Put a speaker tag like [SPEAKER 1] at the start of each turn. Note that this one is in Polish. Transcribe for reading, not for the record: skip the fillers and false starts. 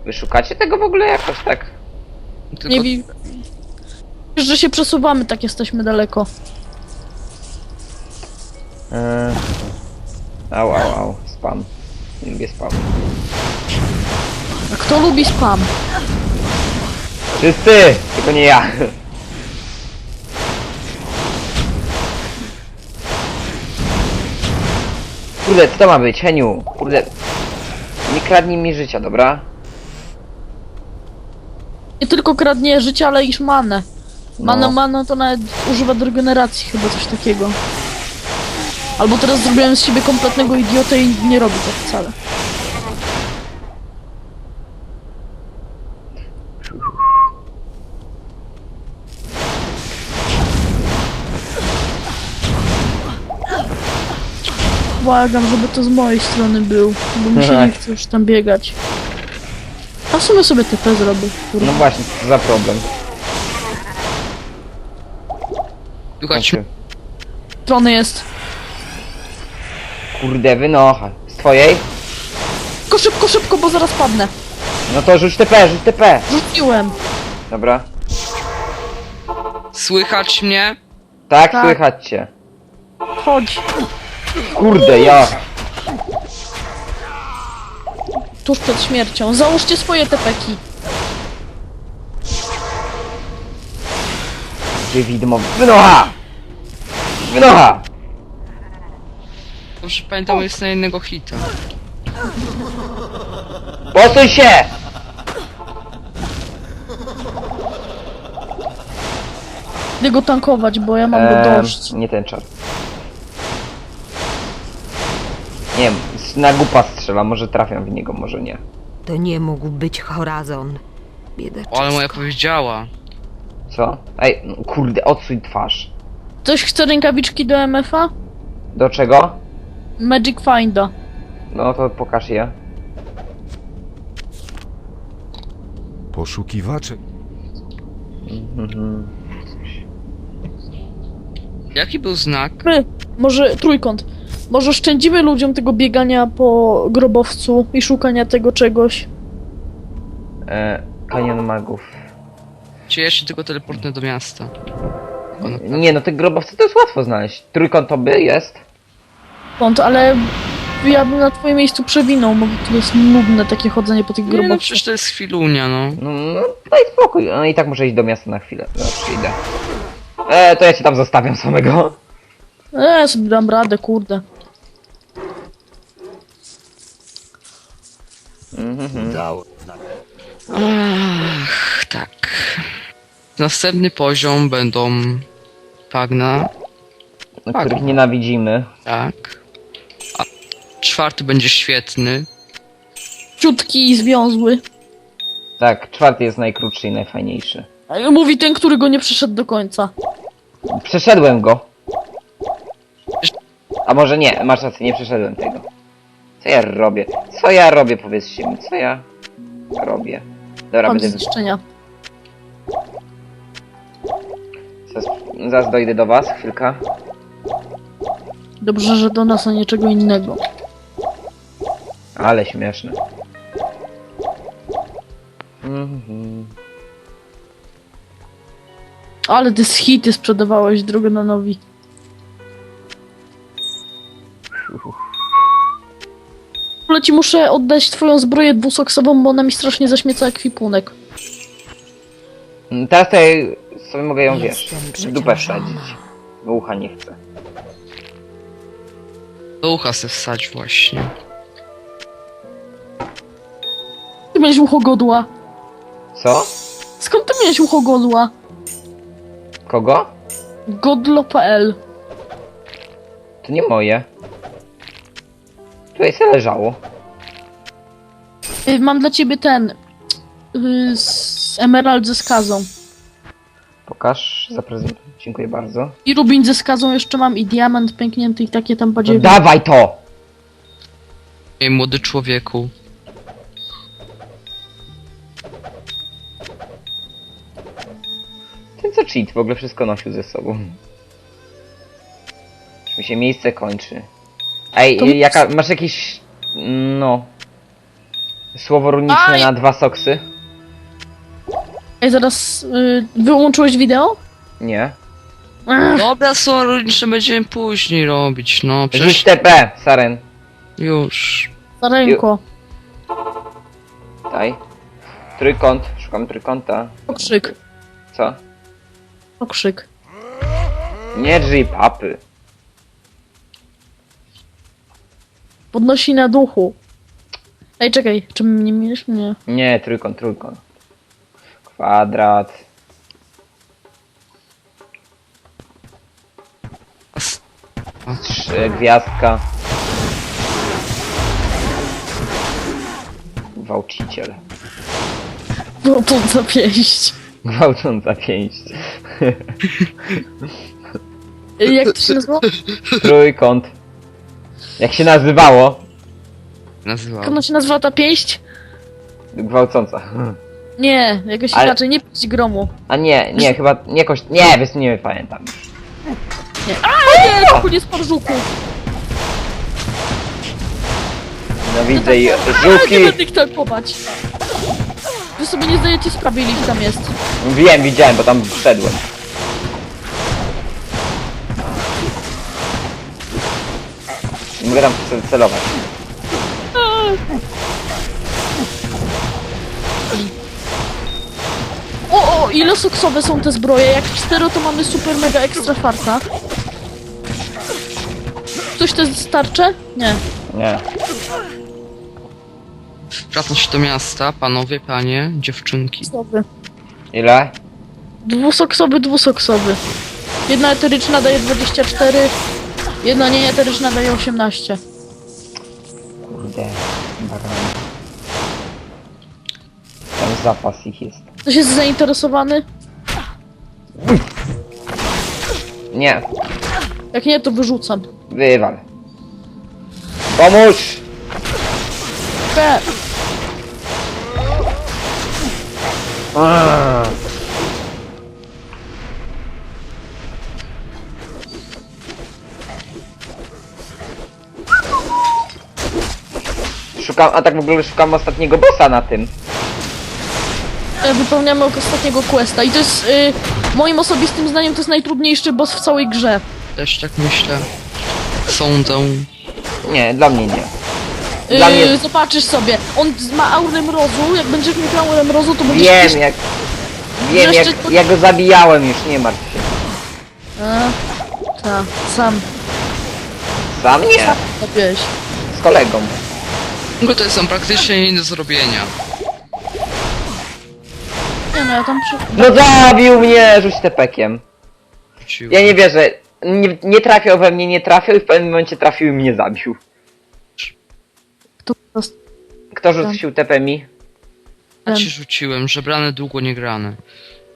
[SPEAKER 1] Wy szukacie tego w ogóle jakoś tak?
[SPEAKER 2] Tylko...
[SPEAKER 3] Nie wiem. Wiesz, że się przesuwamy, tak jesteśmy daleko.
[SPEAKER 1] Au. Spam. Nie lubię spam.
[SPEAKER 3] A kto lubi spam?
[SPEAKER 1] Wszyscy! Tylko nie ja. Kurde, co to ma być, Heniu? Kurde. Nie kradnij mi życia, dobra?
[SPEAKER 3] Nie tylko kradnie życie, ale i manę.
[SPEAKER 1] No.
[SPEAKER 3] Mana to nawet używa do regeneracji, chyba coś takiego. Albo teraz zrobiłem z siebie kompletnego idiotę i nie robi tak wcale. Błagam, żeby to z mojej strony był, bo mi się nie chce już tam biegać. A w sumie sobie TP zrobię. Kurde.
[SPEAKER 1] No właśnie, co za problem.
[SPEAKER 2] Słuchajcie,
[SPEAKER 1] Znaczy,
[SPEAKER 3] Strony jest.
[SPEAKER 1] kurde, wynocha. Z twojej?
[SPEAKER 3] Tylko szybko, bo zaraz padnę.
[SPEAKER 1] No to rzuć TP, rzuć TP.
[SPEAKER 3] Rzuciłem.
[SPEAKER 1] Dobra.
[SPEAKER 2] słychać mnie?
[SPEAKER 1] Tak,
[SPEAKER 3] Tak.
[SPEAKER 1] słychać cię.
[SPEAKER 3] Chodź.
[SPEAKER 1] Kurde, ja.
[SPEAKER 3] Tuż przed śmiercią. Załóżcie swoje tepeki.
[SPEAKER 1] Gdzie widmo? Wynocha! Wynocha!
[SPEAKER 2] Dobrze pamiętam, jest na jednego hita.
[SPEAKER 1] Posuń się!
[SPEAKER 3] Idę go tankować, bo ja mam go dość.
[SPEAKER 1] Nie ten czar. Nie wiem, na głupa strzela, może trafiam w niego, może nie.
[SPEAKER 4] To nie mógł być Horazon. Biedaczek.
[SPEAKER 2] O, ale moja powiedziała.
[SPEAKER 1] Co? Ej, no, kurde, odsuń twarz.
[SPEAKER 3] Ktoś chce rękawiczki do MF-a?
[SPEAKER 1] Do czego?
[SPEAKER 3] Magic Finda.
[SPEAKER 1] No to pokaż je.
[SPEAKER 5] Poszukiwacze.
[SPEAKER 2] Jaki był znak?
[SPEAKER 3] Może trójkąt. Może oszczędzimy ludziom tego biegania po grobowcu i szukania tego czegoś.
[SPEAKER 1] Kanion magów.
[SPEAKER 2] Czy ja się tylko teleportnę do miasta?
[SPEAKER 1] Nie, no te grobowce to jest łatwo znaleźć. Trójkąt to by jest.
[SPEAKER 3] Kąt, ale ja bym na twoim miejscu przewinął, bo to jest nudne takie chodzenie po tych
[SPEAKER 2] Nie no,
[SPEAKER 3] grobowcach.
[SPEAKER 2] przecież to jest chwilunia, no.
[SPEAKER 1] No daj spokój. No i tak muszę iść do miasta na chwilę. Zawsze idę. To ja cię tam zostawiam samego.
[SPEAKER 3] Sobie dam radę, kurde.
[SPEAKER 2] Ach, tak. Następny poziom będą bagna,
[SPEAKER 1] Których nienawidzimy.
[SPEAKER 2] tak. A czwarty będzie świetny.
[SPEAKER 3] Ciutki i związły.
[SPEAKER 1] Tak, czwarty jest najkrótszy i najfajniejszy.
[SPEAKER 3] Mówi ten, który go nie przeszedł do końca.
[SPEAKER 1] Przeszedłem go. A może nie, masz rację, nie przeszedłem tego. Co ja robię? Co ja robię, powiedzcie mi, co ja robię? Dobra,
[SPEAKER 3] Mam
[SPEAKER 1] będę...
[SPEAKER 3] zniszczenia.
[SPEAKER 1] Zaraz dojdę do was, chwilka.
[SPEAKER 3] Dobrze, że do nas, a nie czego innego.
[SPEAKER 1] Ale śmieszne. Mhm.
[SPEAKER 3] Ale ty z hity sprzedawałeś Drogonanowi. W ogóle ci muszę oddać twoją zbroję dwusoksową, bo ona mi strasznie zaśmieca ekwipunek.
[SPEAKER 1] Teraz to ja sobie mogę ją, wiesz,
[SPEAKER 4] Jestem
[SPEAKER 1] w dupę
[SPEAKER 4] przeciążona.
[SPEAKER 1] wsadzić. Bo ucha nie chcę.
[SPEAKER 2] Do ucha se wsadź właśnie.
[SPEAKER 3] Ty miałeś ucho godła.
[SPEAKER 1] Co?
[SPEAKER 3] Skąd ty miałeś ucho godła?
[SPEAKER 1] Kogo?
[SPEAKER 3] Godlo.pl.
[SPEAKER 1] To nie moje. Tutaj se leżało.
[SPEAKER 3] Mam dla ciebie ten... z emerald ze skazą.
[SPEAKER 1] Pokaż, zaprezentuj. Dziękuję bardzo.
[SPEAKER 3] I rubin ze skazą jeszcze mam, i diament pęknięty, i takie tam
[SPEAKER 1] No
[SPEAKER 3] badziewie.
[SPEAKER 1] dawaj to!
[SPEAKER 2] Ej, młody człowieku.
[SPEAKER 1] Ten co cheat w ogóle wszystko nosił ze sobą. Już mi się miejsce kończy. Ej,
[SPEAKER 3] To-
[SPEAKER 1] jaka... masz jakiś... no... Słowo runiczne
[SPEAKER 3] Aj!
[SPEAKER 1] na 2 soksy?
[SPEAKER 3] Ej, zaraz wyłączyłeś wideo?
[SPEAKER 1] Nie.
[SPEAKER 3] Ech,
[SPEAKER 2] Dobra, sorry, będziemy później robić, no
[SPEAKER 1] Rzuć
[SPEAKER 2] przecież
[SPEAKER 1] TP, Saren.
[SPEAKER 2] już.
[SPEAKER 3] Starenko.
[SPEAKER 1] Daj. Trójkąt, szukam trójkąta.
[SPEAKER 3] Okrzyk.
[SPEAKER 1] Co?
[SPEAKER 3] Okrzyk.
[SPEAKER 1] Nie drzyj papy.
[SPEAKER 3] Podnosi na duchu. Ej, czekaj, czy my nie mieliśmy? Nie.
[SPEAKER 1] Nie, trójkąt. Kwadrat. Gwiazdka. Gwałciciel.
[SPEAKER 3] No to za pięść.
[SPEAKER 1] Gwałcąca pięść.
[SPEAKER 3] Ej, jak to się nazywa?
[SPEAKER 1] Trójkąt. Jak się nazywało?
[SPEAKER 2] Nazywał.
[SPEAKER 3] Jak ona się nazywa ta pięść?
[SPEAKER 1] Gwałcąca.
[SPEAKER 3] Nie, jakoś
[SPEAKER 1] Ale-
[SPEAKER 3] inaczej, nie pięść gromu.
[SPEAKER 1] A nie, chyba, nie kość, nie, wiesz, nie pamiętam.
[SPEAKER 3] Nie. A nie, ruchu nie spadł żuku.
[SPEAKER 1] No widzę i
[SPEAKER 3] Nie
[SPEAKER 1] żółki.
[SPEAKER 3] będę ich tankować. Wy sobie nie zdajecie sprawy, ile ich tam jest.
[SPEAKER 1] Wiem, widziałem, bo tam wszedłem. Nie mogę tam celować.
[SPEAKER 3] O, ile soksowe są te zbroje? Jak 4 to mamy super mega ekstra farta. Ktoś te starcze? Nie.
[SPEAKER 1] Nie.
[SPEAKER 2] Wracam się do miasta, panowie, panie, dziewczynki.
[SPEAKER 3] Soksowy.
[SPEAKER 1] Ile?
[SPEAKER 3] Dwusoksowy. Jedna eteryczna daje 24. Jedna nieeteryczna daje 18.
[SPEAKER 1] Kurde. Baran. Tam zapas ich jest.
[SPEAKER 3] Ktoś jest zainteresowany?
[SPEAKER 1] Nie,
[SPEAKER 3] Jak nie, to wyrzucam.
[SPEAKER 1] wywal. Pomóż!
[SPEAKER 3] Be.
[SPEAKER 1] Aaa. Szukam, a tak w ogóle szukam ostatniego bossa na tym.
[SPEAKER 3] Wypełniamy ostatniego questa i to jest moim osobistym zdaniem to jest najtrudniejszy boss w całej grze.
[SPEAKER 2] Też tak myślę. Sądzę.
[SPEAKER 1] Nie, dla mnie nie. Dla mnie-
[SPEAKER 3] Zobaczysz sobie, on ma aurę mrozu, jak będziesz miał aurę mrozu, to będziesz...
[SPEAKER 1] Wiem jak... Wiem
[SPEAKER 3] Jeszcze-
[SPEAKER 1] jak... Ja go zabijałem już, nie martw się.
[SPEAKER 3] Tak, sam
[SPEAKER 1] Sam nie.
[SPEAKER 3] zabiłeś.
[SPEAKER 1] Z kolegą.
[SPEAKER 2] Tylko to są praktycznie nie do zrobienia.
[SPEAKER 3] Nie no, ja tam
[SPEAKER 1] No zabił mnie! Rzuć tepekiem.
[SPEAKER 2] Wróciłem.
[SPEAKER 1] Ja nie wierzę. Nie trafiał we mnie, nie trafiał i w pewnym momencie trafił i mnie zabił.
[SPEAKER 3] to
[SPEAKER 1] Kto rzucił TP mi?
[SPEAKER 2] Ja ci rzuciłem, że brane długo nie grane.